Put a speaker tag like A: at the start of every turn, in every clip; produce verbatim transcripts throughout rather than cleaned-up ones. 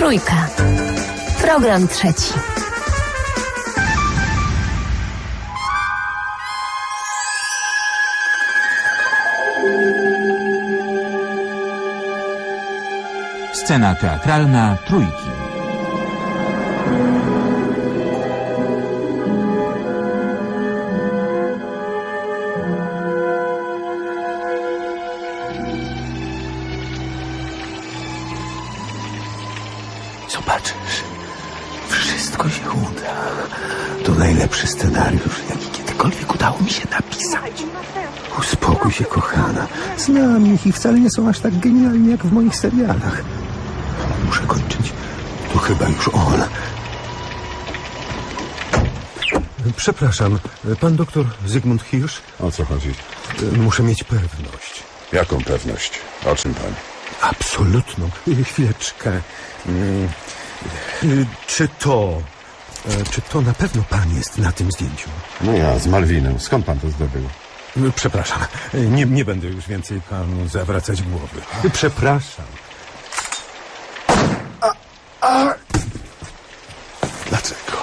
A: Trójka. Program trzeci.
B: Scena teatralna Trójki.
C: Zobaczysz, wszystko się uda. To najlepszy scenariusz, jaki kiedykolwiek udało mi się napisać. Uspokój się, kochana. Znam ich i wcale nie są aż tak genialni jak w moich serialach. Muszę kończyć. To chyba już on. Przepraszam, pan doktor Zygmunt Hirsch?
D: O co chodzi?
C: Muszę mieć pewność.
D: Jaką pewność? O czym pan?
C: Absolutną. Chwileczkę. Czy to... Czy to na pewno pan jest na tym zdjęciu?
D: No ja, z Malwinem. Skąd pan to zdobył?
C: Przepraszam. Nie, nie będę już więcej panu zawracać głowy. Przepraszam. A, a...
D: Dlaczego?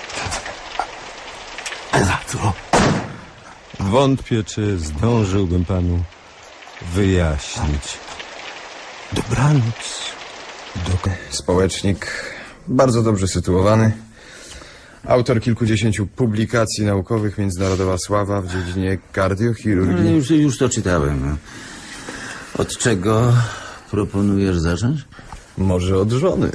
C: Za co? Wątpię, czy zdążyłbym panu wyjaśnić. Dobranoc. Do...
E: Społecznik bardzo dobrze sytuowany. Autor kilkudziesięciu publikacji naukowych, międzynarodowa sława w dziedzinie kardiochirurgii.
F: No, już, już to czytałem. Od czego proponujesz zacząć?
E: Może od żony.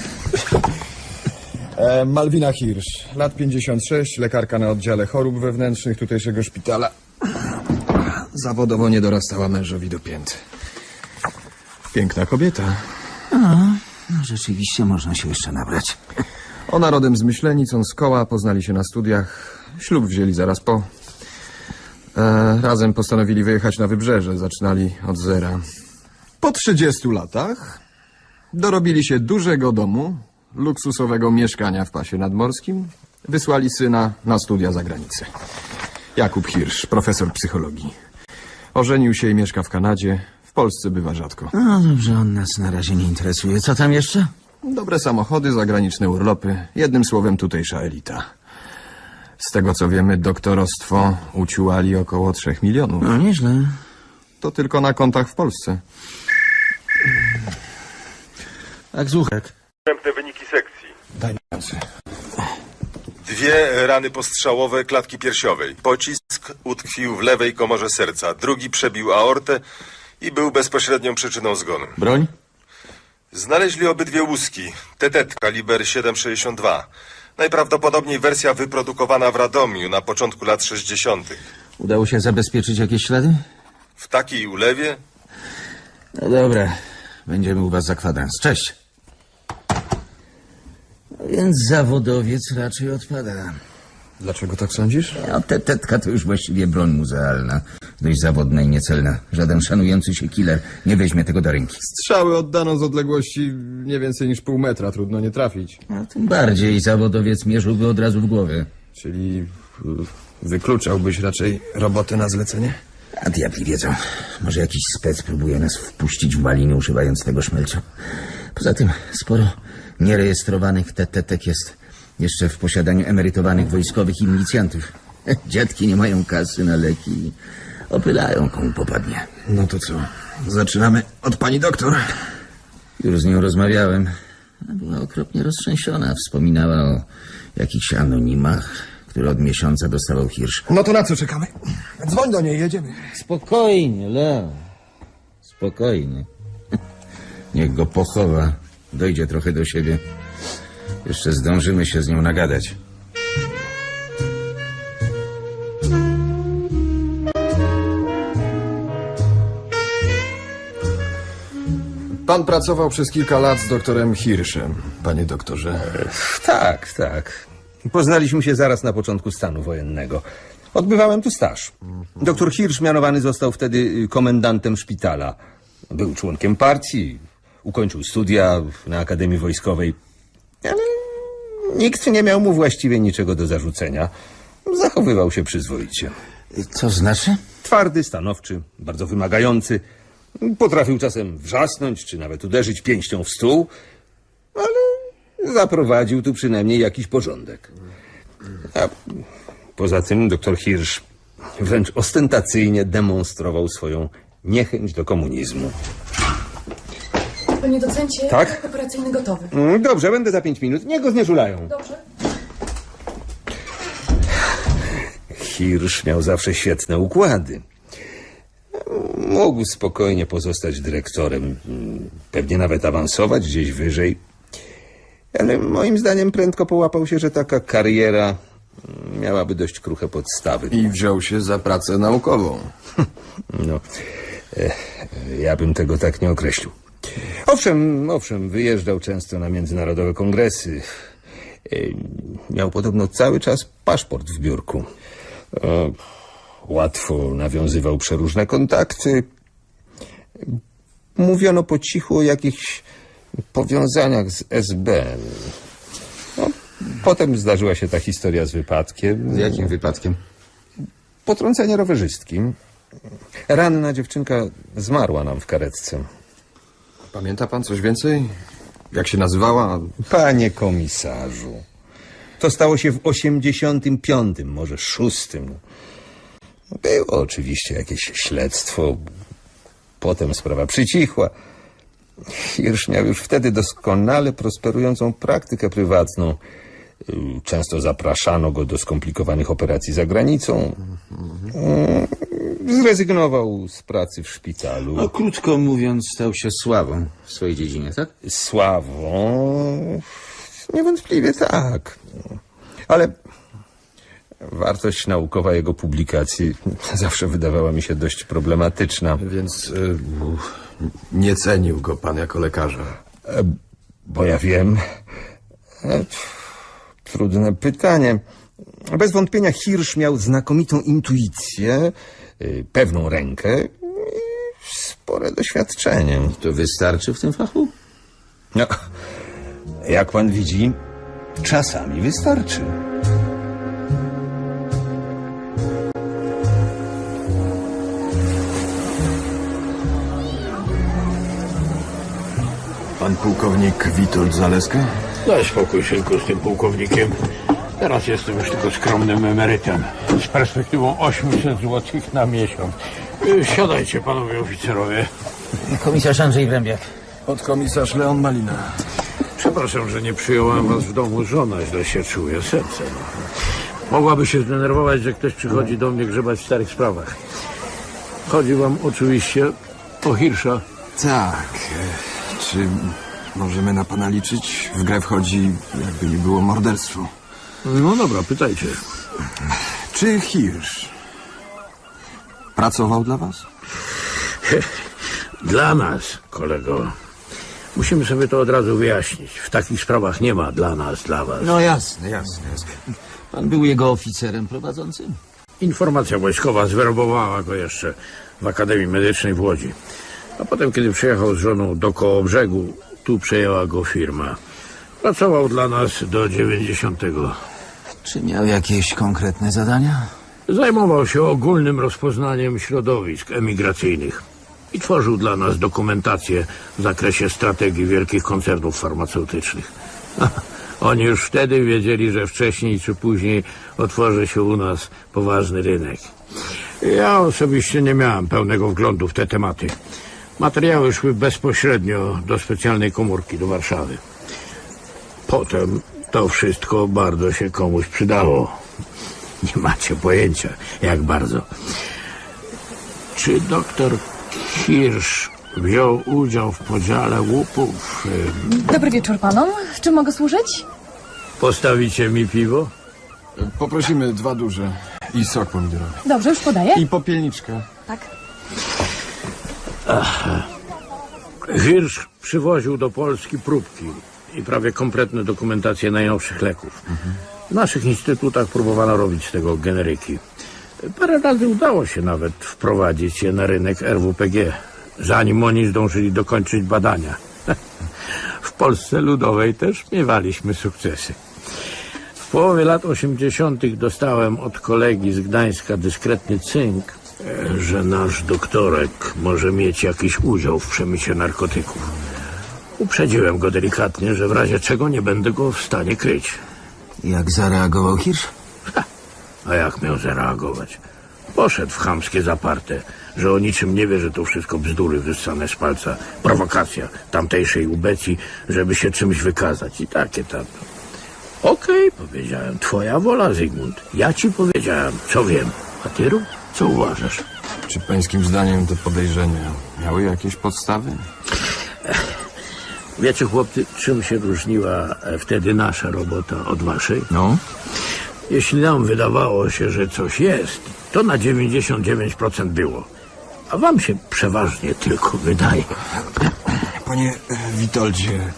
E: E, Malwina Hirsch, lat pięćdziesiąt sześć, lekarka na oddziale chorób wewnętrznych tutejszego szpitala. Zawodowo nie dorastała mężowi do pięt. Piękna kobieta.
F: A, no, rzeczywiście można się jeszcze nabrać.
E: Ona rodem z Myślenic, on z Koła, poznali się na studiach. Ślub wzięli zaraz po. E, razem postanowili wyjechać na wybrzeże, zaczynali od zera. Po trzydziestu latach dorobili się dużego domu, luksusowego mieszkania w pasie nadmorskim. Wysłali syna na studia za granicę. Jakub Hirsch, profesor psychologii. Ożenił się i mieszka w Kanadzie. W Polsce bywa rzadko.
F: No dobrze, on nas na razie nie interesuje. Co tam jeszcze?
E: Dobre samochody, zagraniczne urlopy. Jednym słowem tutejsza elita. Z tego co wiemy, doktorostwo uciułali około trzech milionów.
F: No nieźle.
E: To tylko na kontach w Polsce.
F: Tak, Zuchek.
G: Następne wyniki sekcji.
E: Daj mi ręce.
G: Dwie rany postrzałowe klatki piersiowej. Pocisk utkwił w lewej komorze serca. Drugi przebił aortę i był bezpośrednią przyczyną zgonu.
F: Broń?
G: Znaleźli obydwie łuski. T T kaliber siedem sześćdziesiąt dwa. Najprawdopodobniej wersja wyprodukowana w Radomiu na początku lat sześćdziesiątych.
F: Udało się zabezpieczyć jakieś ślady?
G: W takiej ulewie?
F: No dobra. Będziemy u was za kwadrans. Cześć. No więc zawodowiec raczej odpada.
E: Dlaczego tak sądzisz?
F: No, te tetka to już właściwie broń muzealna. Dość zawodna i niecelna. Żaden szanujący się killer nie weźmie tego do ręki.
E: Strzały oddano z odległości nie więcej niż pół metra. Trudno nie trafić.
F: No, tym bardziej zawodowiec mierzyłby od razu w głowę.
E: Czyli wykluczałbyś raczej robotę na zlecenie?
F: A diabli wiedzą. Może jakiś spec próbuje nas wpuścić w maliny, używając tego szmelcu. Poza tym sporo nierejestrowanych tetetek jest jeszcze w posiadaniu emerytowanych wojskowych i milicjantów. Dziadki nie mają kasy na leki i opylają, komu popadnie.
E: No to co? Zaczynamy od pani doktor.
F: Już z nią rozmawiałem. Była okropnie roztrzęsiona. Wspominała o jakichś anonimach, które od miesiąca dostawał Hirsch.
E: No to na co czekamy? Dzwoń do niej, jedziemy.
F: Spokojnie, Leo. Spokojnie. Niech go pochowa. Dojdzie trochę do siebie. Jeszcze zdążymy się z nią nagadać.
E: Pan pracował przez kilka lat z doktorem Hirschem, panie doktorze.
H: Tak, tak. Poznaliśmy się zaraz na początku stanu wojennego. Odbywałem tu staż. Doktor Hirsch mianowany został wtedy komendantem szpitala. Był członkiem partii, ukończył studia na Akademii Wojskowej, ale nikt nie miał mu właściwie niczego do zarzucenia. Zachowywał się przyzwoicie.
F: Co znaczy?
H: Twardy, stanowczy, bardzo wymagający. Potrafił czasem wrzasnąć, czy nawet uderzyć pięścią w stół. ale zaprowadził tu przynajmniej jakiś porządek. A poza tym doktor Hirsch wręcz ostentacyjnie demonstrował swoją niechęć do komunizmu.
I: Panie docencie,
H: Tak?
I: projekt operacyjny gotowy.
H: Mm, Dobrze, będę za pięć minut. Niech go znieżulają.
I: Dobrze.
H: Hirsch miał zawsze świetne układy. Mógł spokojnie pozostać dyrektorem, pewnie nawet awansować gdzieś wyżej. Ale moim zdaniem prędko połapał się, że taka kariera miałaby dość kruche podstawy.
E: I wziął się za pracę naukową.
H: No, e, ja bym tego tak nie określił. Owszem, owszem, wyjeżdżał często na międzynarodowe kongresy. E, miał podobno cały czas paszport w biurku. E, łatwo nawiązywał przeróżne kontakty. Mówiono po cichu o jakichś powiązaniach z S B. No, potem zdarzyła się ta historia z wypadkiem.
F: Z jakim wypadkiem?
H: Potrącenie rowerzystkim. Ranna dziewczynka zmarła nam w karetce.
E: Pamięta pan coś więcej? Jak się nazywała?
H: Panie komisarzu, to stało się w osiemdziesiątym piątym, może szóstym. Było oczywiście jakieś śledztwo. Potem sprawa przycichła. Hirsch miał już wtedy doskonale prosperującą praktykę prywatną. Często zapraszano go do skomplikowanych operacji za granicą. Zrezygnował z pracy w szpitalu.
F: No, krótko mówiąc, stał się sławą w swojej dziedzinie, tak?
H: Sławą? Niewątpliwie tak. Ale wartość naukowa jego publikacji zawsze wydawała mi się dość problematyczna.
E: Więc y, nie cenił go pan jako lekarza.
H: Bo ja wiem... E, Trudne pytanie. Bez wątpienia Hirsch miał znakomitą intuicję, y, pewną rękę i spore doświadczenie.
F: To wystarczy w tym fachu?
H: No, jak pan widzi, czasami wystarczy.
E: Pan pułkownik Witold Zaleska?
J: Daj spokój, synku, z tym pułkownikiem. Teraz jestem już tylko skromnym emerytem z perspektywą osiemset złotych na miesiąc. Y, Siadajcie, panowie oficerowie.
F: Komisarz Andrzej Wrębiak.
E: Podkomisarz Leon Malina.
J: Przepraszam, że nie przyjąłem was w domu. Żona źle się czuje, serce. No. Mogłaby się zdenerwować, że ktoś przychodzi do mnie grzebać w starych sprawach. Chodzi wam oczywiście o Hirscha.
E: Tak. e, Czy możemy na pana liczyć? W grę wchodzi, jakby nie było, morderstwo.
J: No dobra, pytajcie.
E: Czy Hirsch pracował dla was?
J: Dla nas, kolego. Musimy sobie to od razu wyjaśnić. W takich sprawach nie ma dla nas, dla was.
F: No jasne, jasne, jasne. Pan był jego oficerem prowadzącym?
J: Informacja wojskowa zwerbowała go jeszcze w Akademii Medycznej w Łodzi. A potem, kiedy przyjechał z żoną do Kołobrzegu, tu przejęła go firma. Pracował dla nas do dziewięćdziesiątego.
F: Czy miał jakieś konkretne zadania?
J: Zajmował się ogólnym rozpoznaniem środowisk emigracyjnych i tworzył dla nas dokumentację w zakresie strategii wielkich koncernów farmaceutycznych. Oni już wtedy wiedzieli, że wcześniej czy później otworzy się u nas poważny rynek. Ja osobiście nie miałem pełnego wglądu w te tematy. Materiały szły bezpośrednio do specjalnej komórki do Warszawy. Potem to wszystko bardzo się komuś przydało. Nie macie pojęcia, jak bardzo. Czy doktor Hirsch wziął udział w podziale łupów?
I: Dobry wieczór panom. Czym mogę służyć?
J: Postawicie mi piwo?
E: Poprosimy dwa duże i sok pomidorowy.
I: Dobrze, już podaję.
E: I popielniczkę.
I: Tak.
J: Hirsch przywoził do Polski próbki i prawie kompletne dokumentacje najnowszych leków. W naszych instytutach próbowano robić z tego generyki. Parę razy udało się nawet wprowadzić je na rynek R W P G, zanim oni zdążyli dokończyć badania. W Polsce Ludowej też miewaliśmy sukcesy. W połowie lat osiemdziesiątych dostałem od kolegi z Gdańska dyskretny cynk, że nasz doktorek może mieć jakiś udział w przemycie narkotyków. Uprzedziłem go delikatnie, że w razie czego nie będę go w stanie kryć.
F: Jak zareagował Hirsch?
J: Ha, a jak miał zareagować? Poszedł w chamskie zaparte, że o niczym nie wie, że to wszystko bzdury wyssane z palca. Prowokacja tamtejszej ubecji, żeby się czymś wykazać. I takie tam. Okej, okay, powiedziałem, twoja wola, Zygmunt. Ja ci powiedziałem, co wiem. A ty rób, co uważasz?
E: Czy pańskim zdaniem te podejrzenia miały jakieś podstawy?
J: Wiecie, chłopcy, czym się różniła wtedy nasza robota od waszej?
F: No?
J: Jeśli nam wydawało się, że coś jest, to na dziewięćdziesiąt dziewięć procent było. A wam się przeważnie tylko wydaje.
E: Panie Witoldzie,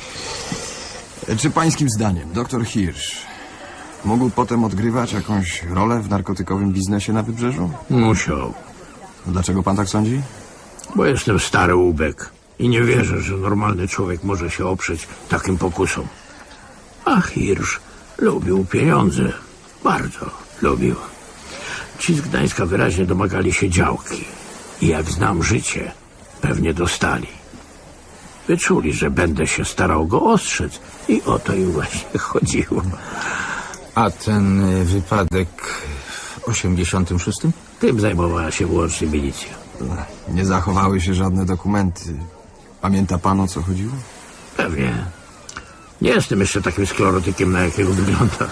E: czy pańskim zdaniem doktor Hirsch mógł potem odgrywać jakąś rolę w narkotykowym biznesie na Wybrzeżu?
J: Musiał.
E: Dlaczego pan tak sądzi?
J: Bo jestem stary łubek i nie wierzę, że normalny człowiek może się oprzeć takim pokusom. A Hirsch lubił pieniądze. Bardzo lubił. Ci z Gdańska wyraźnie domagali się działki. I jak znam życie, pewnie dostali. Wyczuli, że będę się starał go ostrzec i o to im właśnie chodziło.
F: A ten wypadek w osiemdziesiątym szóstym?
J: Tym zajmowała się wyłącznie milicja.
E: Nie zachowały się żadne dokumenty. Pamięta pan, o co chodziło?
J: Pewnie. Nie jestem jeszcze takim sklerotykiem, na jakiego wygląda.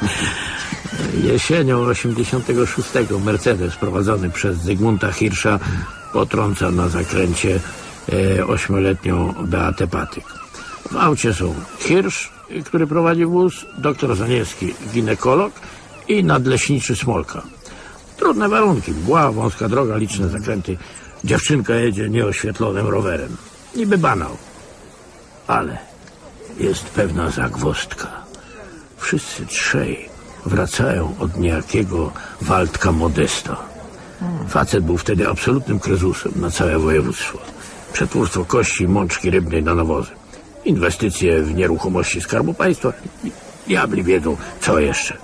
J: Jesienią osiemdziesiątego szóstego Mercedes prowadzony przez Zygmunta Hirscha potrąca na zakręcie e, ośmioletnią Beatę Patyk. W aucie są Hirsch, który prowadzi wóz, doktor Zaniewski, ginekolog i nadleśniczy Smolka. Trudne warunki, mgła, wąska droga, liczne zakręty. Dziewczynka jedzie nieoświetlonym rowerem. Niby banał. Ale jest pewna zagwozdka. Wszyscy trzej wracają od niejakiego Waldka Modesta. Facet był wtedy absolutnym kryzusem na całe województwo. Przetwórstwo kości, mączki rybnej na nawozy. Inwestycje w nieruchomości Skarbu Państwa. Diabli wiedzą, co jeszcze.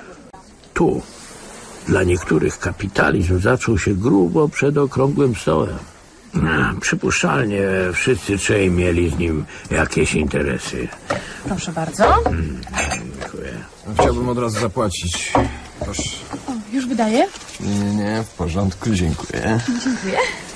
J: Tu dla niektórych kapitalizm zaczął się grubo przed okrągłym stołem. Przypuszczalnie wszyscy trzej mieli z nim jakieś interesy.
I: Proszę bardzo.
J: Hmm, dziękuję.
E: Chciałbym od razu zapłacić. Proszę.
I: O, już wydaję?
E: Nie, nie, nie, w porządku, dziękuję.
I: Dziękuję.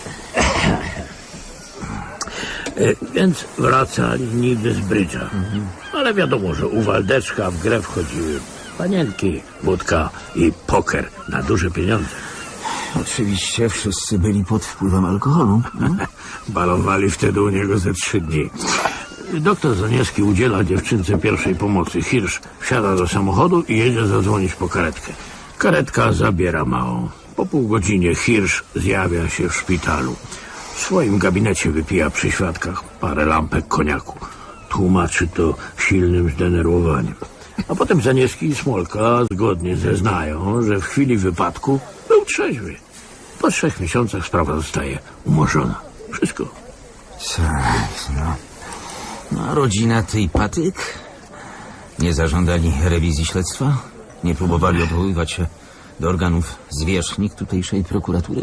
J: E, więc wracali niby z brydża. Mhm. Ale wiadomo, że u Waldeczka w grę wchodziły panienki, wódka i poker na duże pieniądze.
F: Oczywiście wszyscy byli pod wpływem alkoholu. No?
J: Balowali wtedy u niego ze trzy dni. Doktor Zaniewski udziela dziewczynce pierwszej pomocy. Hirsch wsiada do samochodu i jedzie zadzwonić po karetkę. Karetka zabiera małą. Po pół godzinie Hirsch zjawia się w szpitalu. W swoim gabinecie wypija przy świadkach parę lampek koniaku. Tłumaczy to silnym zdenerwowaniem. A potem Zaniewski i Smolka zgodnie zeznają, że w chwili wypadku był trzeźwy. Po trzech miesiącach sprawa zostaje umorzona. Wszystko.
F: Tak, no. No a rodzina tej Patyk? Nie zażądali rewizji śledztwa? Nie próbowali odwoływać się do organów zwierzchnik tutejszej prokuratury?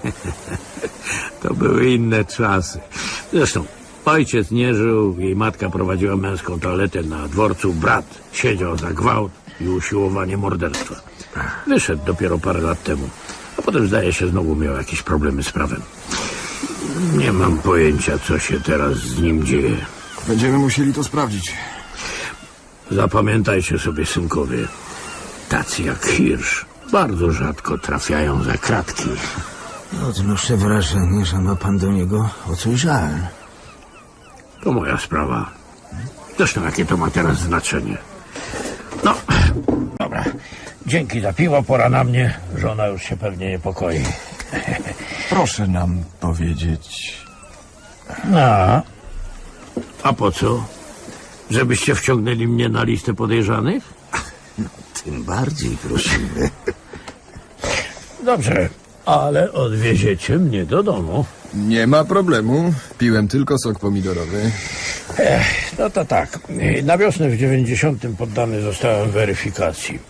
J: To były inne czasy. Zresztą ojciec nie żył, jej matka prowadziła męską toaletę na dworcu, brat siedział za gwałt i usiłowanie morderstwa. Wyszedł dopiero parę lat temu, a potem zdaje się znowu miał jakieś problemy z prawem. Nie mam pojęcia, co się teraz z nim dzieje.
E: Będziemy musieli to sprawdzić.
J: Zapamiętajcie sobie, synkowie, tacy jak Hirsch bardzo rzadko trafiają za kratki.
F: Odnoszę wrażenie, że ma pan do niego o coś żal.
J: To moja sprawa. Zresztą jakie to ma teraz znaczenie. No, dobra. Dzięki za piwo, pora na mnie. Żona już się pewnie niepokoi.
E: Proszę nam powiedzieć...
J: No, a po co? Żebyście wciągnęli mnie na listę podejrzanych?
F: Tym bardziej prosimy.
J: Dobrze, ale odwieziecie mnie do domu.
E: Nie ma problemu. Piłem tylko sok pomidorowy.
J: Ech, no to tak. Na wiosnę w dziewięćdziesiątym poddany zostałem weryfikacji.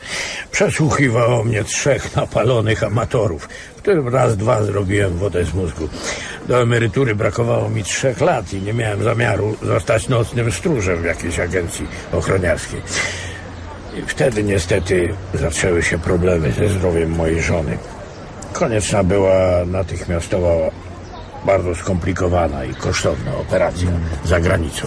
J: Przesłuchiwało mnie trzech napalonych amatorów, którym raz, dwa zrobiłem wodę z mózgu. Do emerytury brakowało mi trzech lat i nie miałem zamiaru zostać nocnym stróżem w jakiejś agencji ochroniarskiej. I wtedy niestety zaczęły się problemy ze zdrowiem mojej żony. Konieczna była natychmiastowa, bardzo skomplikowana i kosztowna operacja za granicą.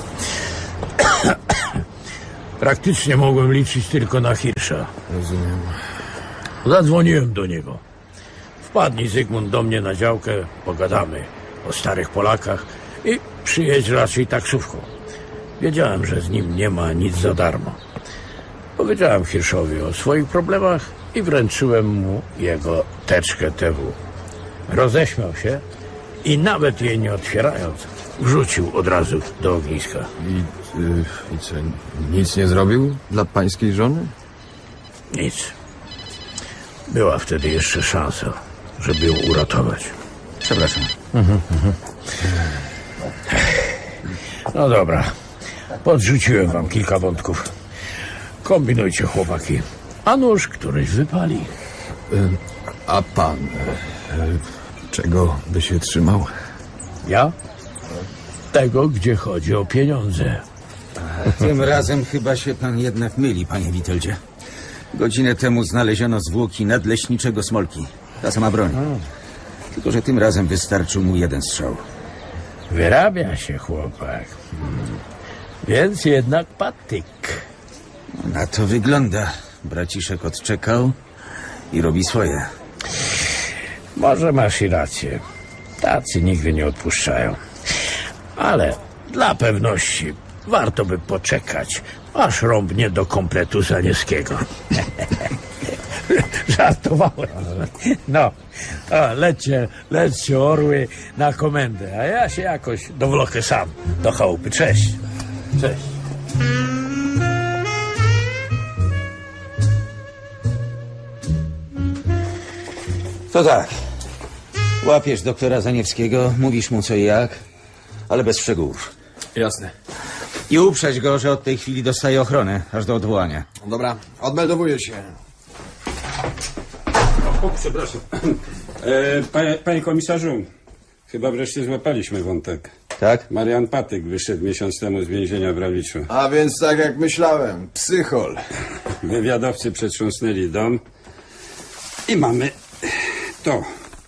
J: Praktycznie mogłem liczyć tylko na Hirsza.
E: Rozumiem.
J: Zadzwoniłem do niego. Wpadnij, Zygmunt, do mnie na działkę, pogadamy o starych Polakach i przyjedź raczej taksówką. Wiedziałem, że z nim nie ma nic za darmo. Powiedziałem Hirszowi o swoich problemach i wręczyłem mu jego teczkę T W. Roześmiał się i nawet jej nie otwierając, wrzucił od razu do ogniska.
E: I, y, i co, nic nie zrobił dla pańskiej żony?
J: Nic. Była wtedy jeszcze szansa, żeby ją uratować.
F: Przepraszam.
J: Mhm, mhm. No dobra. Podrzuciłem wam kilka wątków. Kombinujcie, chłopaki. A nóż któryś wypali.
E: Y, a pan... Y, czego by się trzymał?
J: Ja? Tego, gdzie chodzi o pieniądze.
F: Tym razem chyba się pan jednak myli, panie Witoldzie. Godzinę temu znaleziono zwłoki nadleśniczego Smolki. Ta sama broń. Tylko że tym razem wystarczył mu jeden strzał.
J: Wyrabia się chłopak. Hmm. Więc jednak patyk.
F: Na to wygląda. Braciszek odczekał i robi swoje.
J: Może masz i rację. Tacy nigdy nie odpuszczają. Ale dla pewności warto by poczekać, aż rąbnie do kompletu Zaniewskiego. Żartowałem. No, to lećcie, lećcie orły na komendę, a ja się jakoś dowlokę sam do chałupy. Cześć. Cześć.
F: To tak. Łapiesz doktora Zaniewskiego, mówisz mu co i jak, ale bez szczegółów.
E: Jasne.
F: I uprzeć go, że od tej chwili dostaje ochronę, aż do odwołania.
E: Dobra, odmeldowuję się.
K: O, przepraszam. E, panie, panie komisarzu, chyba wreszcie złapaliśmy wątek.
F: Tak?
K: Marian Patyk wyszedł miesiąc temu z więzienia w Rawiczu.
E: A więc tak jak myślałem, psychol.
K: Wywiadowcy przetrząsnęli dom i mamy to.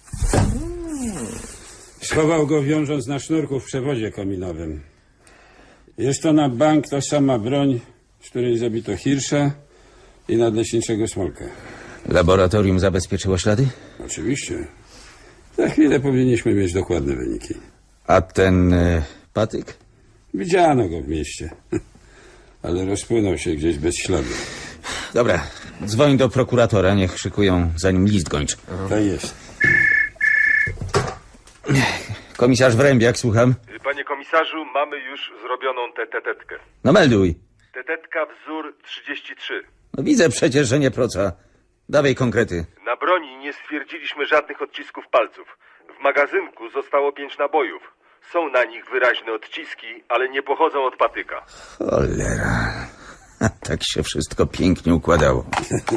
K: Schował go, wiążąc na sznurku w przewozie kominowym. Jest to na bank ta sama broń, z której zabito Hirsza i nadleśniczego Smolka.
F: Laboratorium zabezpieczyło ślady?
K: Oczywiście. Za chwilę powinniśmy mieć dokładne wyniki.
F: A ten y, Patyk?
K: Widziano go w mieście, ale rozpłynął się gdzieś bez śladu.
F: Dobra, dzwoń do prokuratora, niech szykują, zanim list gończy.
K: To jest.
F: Komisarz Wrębiak, słucham.
G: Panie komisarzu, mamy już zrobioną tę tetetkę.
F: No melduj.
G: Tetetka wzór trzydzieści trzy.
F: No widzę przecież, że nie proca. Dawaj konkrety.
G: Na broni nie stwierdziliśmy żadnych odcisków palców. W magazynku zostało pięć nabojów. Są na nich wyraźne odciski, ale nie pochodzą od patyka.
F: Cholera. Tak się wszystko pięknie układało.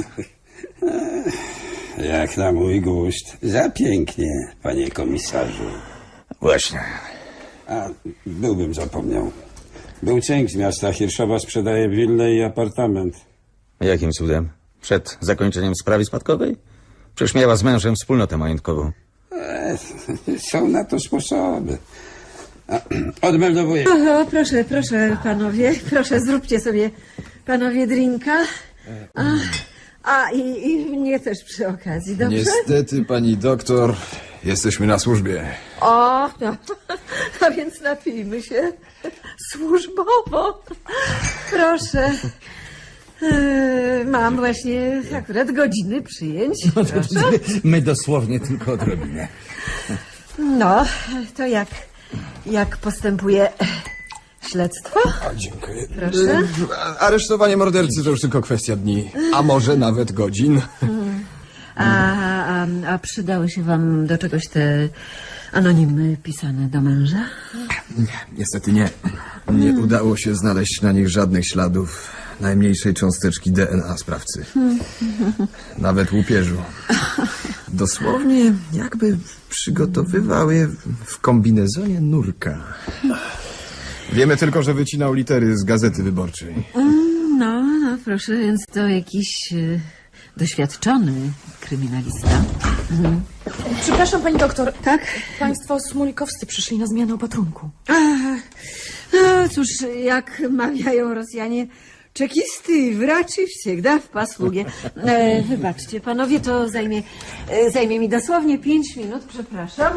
K: Jak na mój gust. Za pięknie, panie komisarzu.
F: Właśnie.
K: A, byłbym zapomniał. Był cynk z miasta Hirszowa, sprzedaje willę i apartament.
F: Jakim cudem? Przed zakończeniem sprawy spadkowej? Przecież miała z mężem wspólnotę majątkową.
K: E, są na to sposoby. A, odmeldowuję.
L: O, proszę, proszę, panowie, proszę, zróbcie sobie, panowie, drinka. A, a i, i mnie też przy okazji, dobrze?
E: Niestety, pani doktor, jesteśmy na służbie.
L: O, no, a więc napijmy się służbowo. Proszę. Yy, mam właśnie akurat godziny przyjęć. Proszę.
F: My dosłownie tylko odrobinę.
L: No, to jak, jak postępuje śledztwo?
E: A, dziękuję.
L: Proszę.
E: A- Aresztowanie mordercy to już tylko kwestia dni, a może nawet godzin.
L: A, a, a przydały się wam do czegoś te anonimy pisane do męża?
E: Niestety nie. Nie udało się znaleźć na nich żadnych śladów. najmniejszej cząsteczki D N A sprawcy. Nawet łupieżu. Dosłownie jakby przygotowywał je w kombinezonie nurka. Wiemy tylko, że wycinał litery z Gazety Wyborczej.
L: No, no proszę, więc to jakiś e, doświadczony kryminalista. Mhm.
I: Przepraszam, pani doktor.
L: Tak?
I: Państwo smulikowscy przyszli na zmianę opatrunku.
L: Ach, no cóż, jak mawiają Rosjanie, czekisty wraczy всегда w pasługie. E, wybaczcie, panowie, to zajmie, e, zajmie mi dosłownie pięć minut, przepraszam.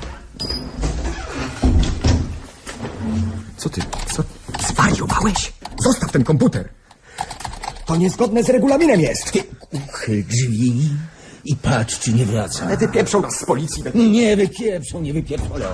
E: Co ty? Co? Zwariowałeś? Zostaw ten komputer! To niezgodne z regulaminem jest!
F: Uchyl drzwi i patrz, czy nie wraca.
E: Ale wypieprzą nas z policji.
F: Nie wypieprzą, nie wypieprzą.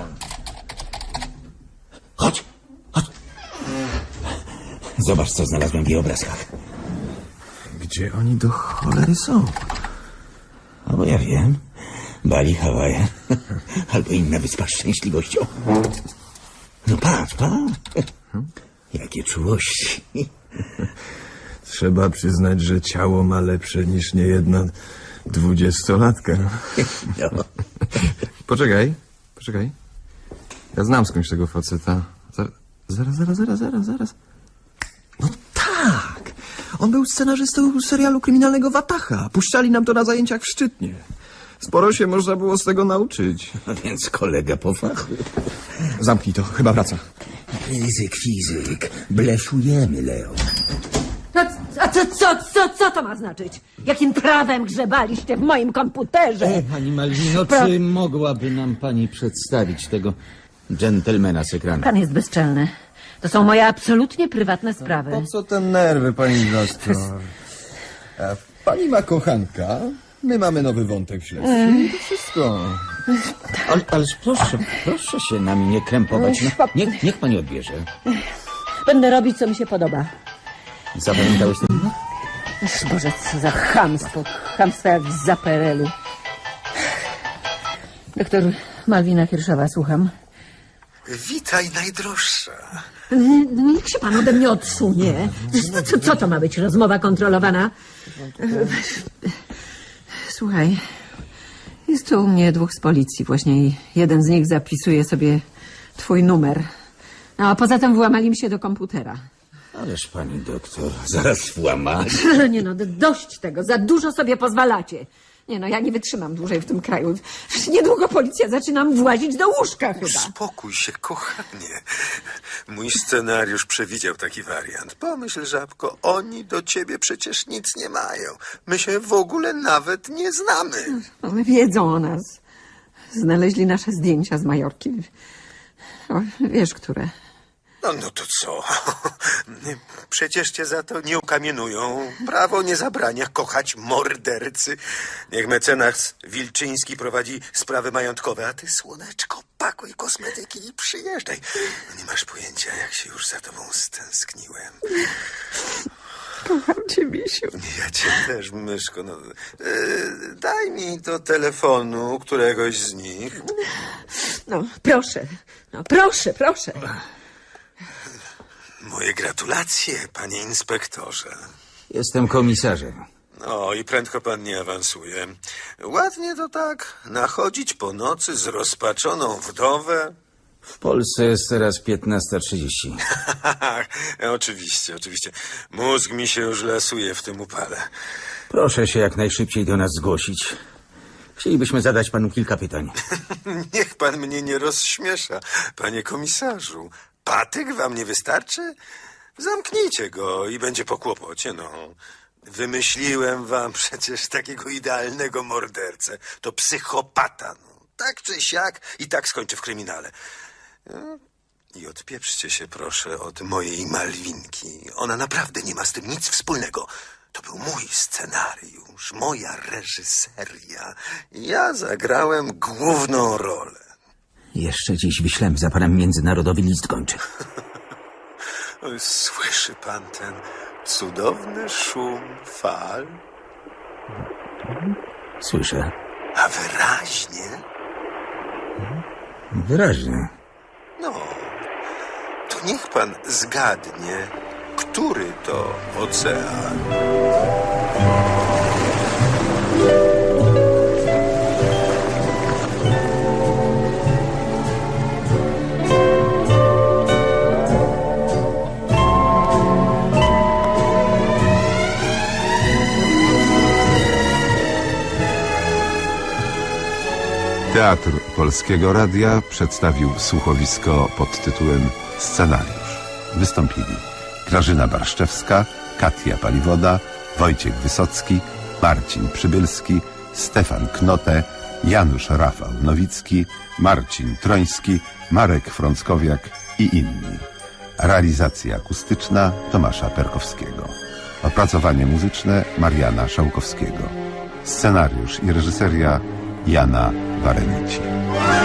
F: Chodź, chodź. Zobacz, co znalazłem w jej obrazkach.
E: Gdzie oni do cholery są?
F: A bo ja wiem. Bali, Hawaje. Albo inna wyspa z szczęśliwością. No patrz, patrz. Jakie czułości.
E: Trzeba przyznać, że ciało ma lepsze niż niejedna dwudziestolatka.
F: No.
E: Poczekaj, poczekaj. Ja znam skądś tego faceta. Zaraz, zaraz, zaraz, zaraz, zaraz, zaraz. No tak! On był scenarzystą serialu kryminalnego Watacha. Puszczali nam to na zajęciach w Szczytnie. Sporo się można było z tego nauczyć.
F: A więc kolega po fachu.
E: Zamknij to, chyba wraca.
F: Fizyk, fizyk. Bleszujemy, Leo.
L: No, a co, co, co, co to ma znaczyć? Jakim prawem grzebaliście w moim komputerze?
F: E, pani Malwino,
L: Pra...
F: czy mogłaby nam pani przedstawić tego dżentelmena z ekranu?
L: Pan jest bezczelny. To są moje absolutnie prywatne sprawy.
E: Po co te nerwy, pani doktor? A pani ma kochanka, my mamy nowy wątek śledczy i to wszystko.
F: Ale, ależ proszę, proszę się nami nie krępować. No, niech, niech pani odbierze.
L: Będę robić, co mi się podoba.
F: Zapamiętałeś ten numer?
L: Boże, co za chamstwo. Chamstwo jak z zaperelu. Doktor Malwina Hirszowa, słucham.
C: Witaj, najdroższa.
L: Niech się pan ode mnie odsunie. Co, co to ma być? Rozmowa kontrolowana? Słuchaj, jest tu u mnie dwóch z policji. Właśnie jeden z nich zapisuje sobie twój numer. No, a poza tym włamali mi się do komputera.
F: Ależ pani doktor, zaraz włamać.
L: Nie no, dość tego. Za dużo sobie pozwalacie. Nie no, ja nie wytrzymam dłużej w tym kraju. Niedługo policja zaczyna włazić do łóżka chyba.
C: Uspokój się, kochanie. Mój scenariusz przewidział taki wariant. Pomyśl, żabko, oni do ciebie przecież nic nie mają. My się w ogóle nawet nie znamy.
L: One wiedzą o nas. Znaleźli nasze zdjęcia z Majorki. O, wiesz, które.
C: No, no to co? Przecież cię za to nie ukamienują. Prawo nie zabrania kochać mordercy. Niech mecenas Wilczyński prowadzi sprawy majątkowe, a ty, słoneczko, pakuj kosmetyki i przyjeżdżaj. No nie masz pojęcia, jak się już za tobą stęskniłem.
L: Kocham cię, misiu.
C: Ja cię też, myszko. No, yy, daj mi do telefonu któregoś z nich.
L: No, proszę. No, proszę, proszę.
C: Moje gratulacje, panie inspektorze.
F: Jestem komisarzem.
C: No i prędko pan nie awansuje. Ładnie to tak, nachodzić po nocy z rozpaczoną wdowę.
F: W Polsce jest teraz piętnasta trzydzieści.
C: Oczywiście, oczywiście. Mózg mi się już lasuje w tym upale.
F: Proszę się jak najszybciej do nas zgłosić. Chcielibyśmy zadać panu kilka pytań.
C: Niech pan mnie nie rozśmiesza, panie komisarzu. Patyk wam nie wystarczy? Zamknijcie go i będzie po kłopocie, no. Wymyśliłem wam przecież takiego idealnego mordercę. To psychopata, no. Tak czy siak i tak skończy w kryminale. No, i odpieprzcie się proszę od mojej Malwinki. Ona naprawdę nie ma z tym nic wspólnego. To był mój scenariusz, moja reżyseria. Ja zagrałem główną rolę.
F: Jeszcze dziś wyślemy za panem międzynarodowy list gończy.
C: Słyszy pan ten cudowny szum fal?
F: Słyszę.
C: A wyraźnie?
F: Wyraźnie.
C: No, to niech pan zgadnie, Który to ocean?
D: Teatr Polskiego Radia przedstawił słuchowisko pod tytułem Scenariusz. Wystąpili Grażyna Barszczewska, Katia Paliwoda, Wojciech Wysocki, Marcin Przybylski, Stefan Knote, Janusz Rafał Nowicki, Marcin Troński, Marek Frąckowiak i inni. Realizacja akustyczna Tomasza Perkowskiego. Opracowanie muzyczne Mariana Szałkowskiego. Scenariusz i reżyseria Jana Warenici.